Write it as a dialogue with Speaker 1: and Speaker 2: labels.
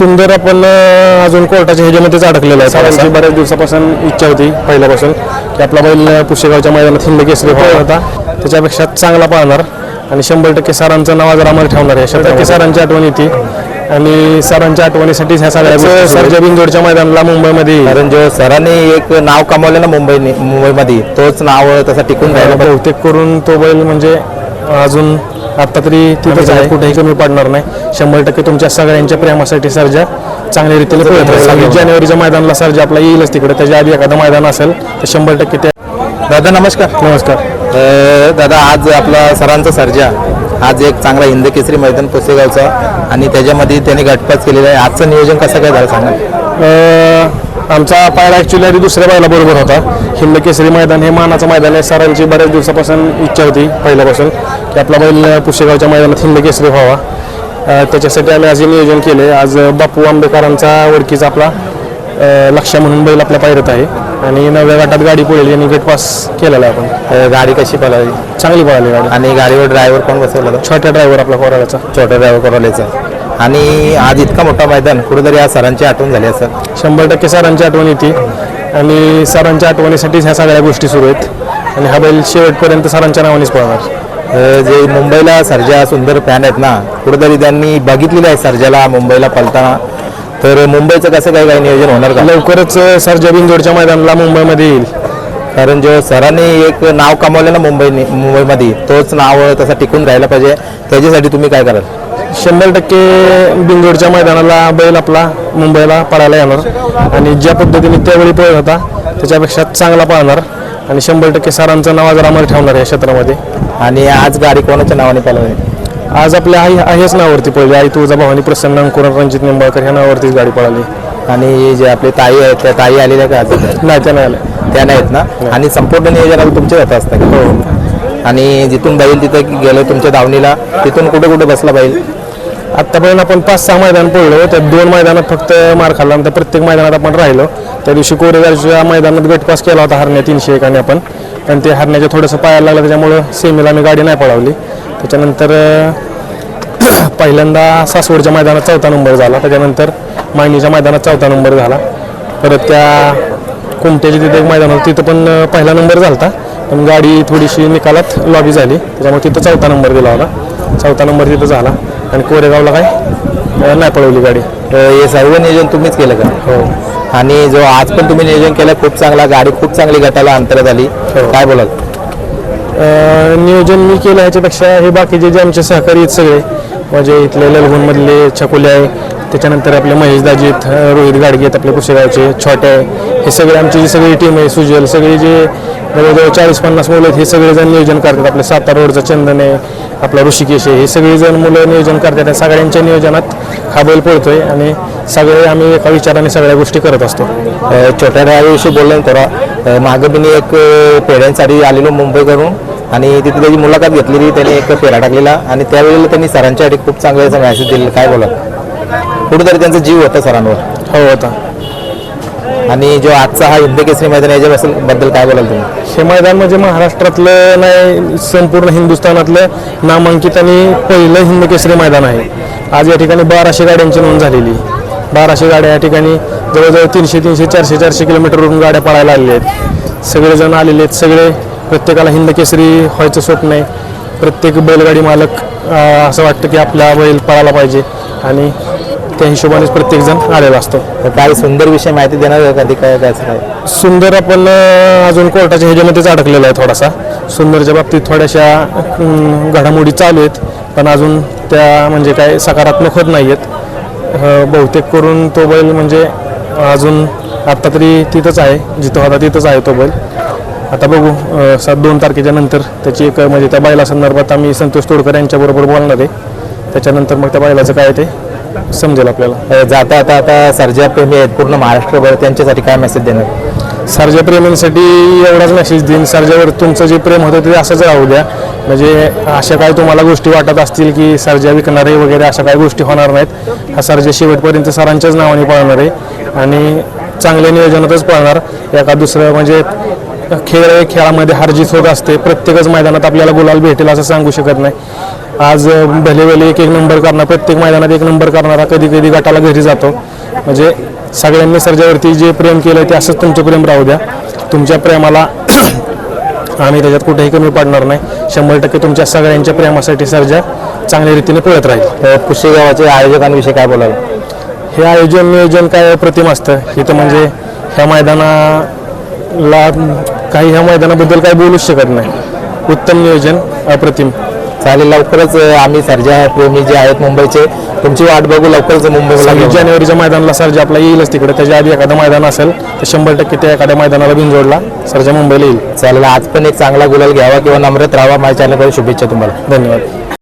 Speaker 1: सुंदर आपण अजून कोर्टाच्या ह्याच्यामध्येच अडकलेला आहे. सरांची बऱ्याच दिवसापासून इच्छा होती पहिल्यापासून की आपला बैल पुशेगावच्या मैदानात हिंद केसरी पळत होता, त्याच्यापेक्षा चांगला पाळणार आणि 100% सरांचं नाव जर आम्हाला ठेवणार आहे. 100% सरांची आठवण येते आणि सरांच्या आठवणीसाठीच ह्या सगळ्या सरच्या बिंदोडच्या मैदानाला मुंबईमध्ये,
Speaker 2: कारण जो सरांनी एक नाव कमावलं ना मुंबईमध्ये, तोच नाव तसा टिकून राहिला.
Speaker 1: बहुतेक करून तो बैल म्हणजे अजून आता तरी तिथंच आहे, कुठेही कमी पडणार नाही. 100% तुमच्या सगळ्यांच्या प्रेमासाठी सर्जा चांगल्या रीतीने पळत आहे. 26 जानेवारीच्या मैदानाला सर्जा आपला येईलच तिकडे, त्याच्या आधी एखादं मैदान असेल तर 100% त्या.
Speaker 2: दादा नमस्कार.
Speaker 1: नमस्कार
Speaker 2: दादा, आज आपला सरांचा सर्जा आज एक चांगला हिंद केसरी मैदान पुसेगावचा आणि त्याच्यामध्ये त्यांनी गटपास केलेला आहे. आजचं नियोजन कसं काय झालं सांगा.
Speaker 1: आमचा पायरा ॲक्च्युली आधी दुसऱ्या बैला बरोबर होता. हिंद केसरी मैदान हे मानाचं मैदान आहे. सरांची बऱ्याच दिवसापासून इच्छा होती पहिल्यापासून की आपला बैल पुशेगावच्या मैदानात हिंद केसरी व्हावा. त्याच्यासाठी आम्ही आज नियोजन केले. आज बापू आंबेकरांचा ओळखीचा आपला लक्ष्य म्हणून बैल आपल्या पायरत आहे आणि 9व्या गटात गाडी पळेल यांनी गट पास केलेला आहे. आपण
Speaker 2: गाडी कशी पळाली?
Speaker 1: चांगली पळाली गाडी.
Speaker 2: आणि गाडीवर ड्रायव्हर कोण बसवला?
Speaker 1: छोट्या ड्रायव्हर आपला कोराड्याचा.
Speaker 2: छोटा ड्रायव्हर कोराड्याचा. आणि आज इतका मोठा मैदान, कुठेतरी आज सरांची आठवण झाली असेल.
Speaker 1: 100% सरांची आठवण येते आणि सरांच्या आठवणीसाठीच ह्या सगळ्या गोष्टी सुरू आहेत आणि हा बैल शेवटपर्यंत सरांच्या नावानेच पळणार.
Speaker 2: जे मुंबईला सर्जा सुंदर फॅन आहेत ना, कुठेतरी त्यांनी बघितलेलं आहे सर्जाला मुंबईला पळताना, तर मुंबईचं कसं काही नियोजन होणार का?
Speaker 1: लवकरच सर्जा बिंदोडच्या मैदानाला मुंबईमध्ये येईल.
Speaker 2: कारण जो सरांनी एक नाव कमावलं ना मुंबईमध्ये, तोच नाव तसा टिकून राहिला पाहिजे. त्याच्यासाठी तुम्ही काय कराल?
Speaker 1: 100% बिंदोडच्या मैदानाला बैल आपला मुंबईला पळायला येणार आणि ज्या पद्धतीने त्यावेळी पळत होता त्याच्यापेक्षा चांगला पळणार आणि 100% सरांचं नाव जर आम्हाला ठेवणार आहे क्षेत्रामध्ये.
Speaker 2: आणि आज गाडी कोणाच्या नावाने पळवली?
Speaker 1: आज आपल्या आई आहेच नावावरती पळली. आई तुळजाभवानी प्रसन्न अंकुरण रणजित निंबाळकर ह्या नावावरतीच गाडी पळाली.
Speaker 2: आणि जे आपले ताई आहेत त्या ताई आलेल्या का?
Speaker 1: नाही, त्या नाही आल्या.
Speaker 2: त्या नाहीत ना. आणि संपूर्ण नियोजनाला तुमच्या हातात असतं का?
Speaker 1: हो.
Speaker 2: आणि जिथून बैल तिथं गेलो तुमच्या दावणीला, तिथून कुठे कुठे बसला बैल?
Speaker 1: आत्तापर्यंत आपण 5-6 मैदान पळलो. त्या 2 मैदानात फक्त मार खाल्ला आणि प्रत्येक मैदानात आपण राहिलो. त्या दिवशी कोरेगावच्या मैदानात गटपास केला होता हरण्या 301 आणि आपण, पण ते हरण्याच्या थोडंसं पायाला लागलं त्याच्यामुळं सेमीला आम्ही गाडी नाही पळवली. त्याच्यानंतर पहिल्यांदा सासवडच्या मैदानात 4था नंबर झाला. त्याच्यानंतर मायनीच्या मैदानात 4था नंबर झाला. परत त्या कुमट्याची तिथे एक मैदान होतं, तिथं पण पहिला नंबर झाला होता, पण गाडी थोडीशी निकालात लॉबी झाली त्याच्यामुळे तिथं 4था नंबर दिला होता. 4था नंबर तिथं झाला आणि कोरेगावला काय नाही पळवली गाडी.
Speaker 2: हे सर्व नियोजन तुम्हीच केलं का?
Speaker 1: हो.
Speaker 2: आणि जो आज पण तुम्ही नियोजन केलं खूप चांगला, गाडी खूप चांगली गटाला अंतरात आली. काय बोलाल?
Speaker 1: नियोजन मी केलं ह्याच्यापेक्षा हे बाकीचे जे आमचे सहकारी आहेत सगळे, म्हणजे इथले ललगुणमधले छकुले आहे, त्याच्यानंतर आपले महेश दाजी आहेत, रोहित गाडगे आहेत आपले पुसेगावचे, छोटे आहे, हे सगळे आमची जी सगळी टीम आहे, सुजल, सगळी जे जवळजवळ 40-50 मुलं आहेत, हे सगळेजण नियोजन करतात. आपले सातारा रोडचा चंदन आहे, आपला ऋषिकेश आहे, हे सगळेजण मुलं नियोजन करतात. सगळ्यांच्या नियोजनात हा बैल पळतोय आणि सगळे आम्ही एका विचाराने सगळ्या गोष्टी करत असतो.
Speaker 2: छोट्या ड्रायव्हरविषयी बोललं थोडा. मागं मी एक पेढ्यांसाठी आलेलो मुंबई करून आणि तिथे त्याची मुलाखत घेतलेली, त्याने एक पेढा टाकलेला आणि त्यावेळेला त्यांनी सरांच्यासाठी खूप चांगला मॅसेज दिलेला. काय बोला? कुठेतरी त्यांचा जीव होता सरांवर.
Speaker 1: हो होता.
Speaker 2: आणि जो आजचा हा हिंद केसरी मैदान याच्याबद्दल काय बोलाल तुम्ही?
Speaker 1: हे मैदान म्हणजे महाराष्ट्रातलं नाही, संपूर्ण हिंदुस्थानातलं नामांकित आणि पहिलं हिंद केसरी मैदान आहे. आज या ठिकाणी 1200 गाड्यांची नोंद झालेली. 1200 गाड्या या ठिकाणी जवळजवळ 300, 400 किलोमीटरवरून गाड्या पळायला आलेल्या आहेत. सगळेजण आलेले आहेत. सगळे प्रत्येकाला हिंद केसरी व्हायचं स्वप्न आहे. प्रत्येक बैलगाडी मालक असं वाटतं की आपला बैल पळायला पाहिजे आणि त्या हिशोबानेच प्रत्येकजण आलेला असतो.
Speaker 2: काय सुंदर विषय माहिती देणार कधी? काय काय
Speaker 1: सुंदर आपण अजून कोर्टाच्या ह्याच्यामध्येच अडकलेला आहे थोडासा. सुंदरच्या बाबतीत थोड्याशा घडामोडी चालू आहेत, पण अजून त्या म्हणजे काय सकारात्मक होत नाही आहेत. बहुतेक करून तो बैल म्हणजे अजून आत्ता तरी तिथंच आहे, जिथं होता तिथंच आहे तो बैल. आता बघू 2 तारखेच्या नंतर त्याची एक म्हणजे त्या बैला संदर्भात आम्ही संतोष तोडकर यांच्याबरोबर बोलणार आहे. त्याच्यानंतर मग त्या बैलाचं काय ते समजेल आपल्याला.
Speaker 2: जाता आता सर्जा प्रेमी आहेत पूर्ण महाराष्ट्रभर, त्यांच्यासाठी काय मेसेज देणार?
Speaker 1: सर्जा प्रेमींसाठी एवढाच मेसेज देईन, सर्जावर तुमचं जे प्रेम होतं ते असंच राहू द्या. म्हणजे अशा काही तुम्हाला गोष्टी वाटत असतील की सर्जा विकणारे वगैरे, अशा काही गोष्टी होणार नाहीत. हा सर्जा शेवटपर्यंत सरांच्याच नावाने पळणार आहे आणि चांगल्या नियोजनातच पळणार. एका दुसरं म्हणजे खेळामध्ये हार जीत होत असते. प्रत्येकच मैदानात आपल्याला गुलाल भेटेल असं सांगू शकत नाही. आज भले भले एक नंबर करणार, प्रत्येक मैदानात एक नंबर करणारा, कधी कधी गटाला घरी जातो. म्हणजे सगळ्यांनी सर्जावरती जे प्रेम केलं ते असंच तुमचं प्रेम राहू द्या. तुमच्या प्रेमाला आम्ही त्याच्यात कुठेही कमी पडणार नाही. 100% तुमच्या सगळ्यांच्या प्रेमासाठी सर्जा चांगल्या रीतीने पळत राहील.
Speaker 2: पुशेगावाचे आयोजकांविषयी काय बोलाल?
Speaker 1: हे आयोजन नियोजन काय अप्रतिम असतं इथं. म्हणजे ह्या मैदानाला ह्या मैदानाबद्दल काही बोलूच शकत नाही. उत्तम नियोजन, अप्रतिम.
Speaker 2: चालेल, लवकरच आम्ही सर्जा प्रेमी जे आहेत मुंबईचे तुमची वाट बघू. लवकरच मुंबईला
Speaker 1: 26 जानेवारीच्या मैदानाला सर्जा आपला येईलच तिकडे. त्याच्या आधी एखादं मैदान असेल तर 100% त्या एखाद्या मैदानाला बिनजोडला सर्जा मुंबईला येईल.
Speaker 2: चालेल, आज पण एक चांगला गुलाल घ्यावा किंवा नम्रत राहावा. माझ्या चॅनलकडे शुभेच्छा तुम्हाला.
Speaker 1: धन्यवाद.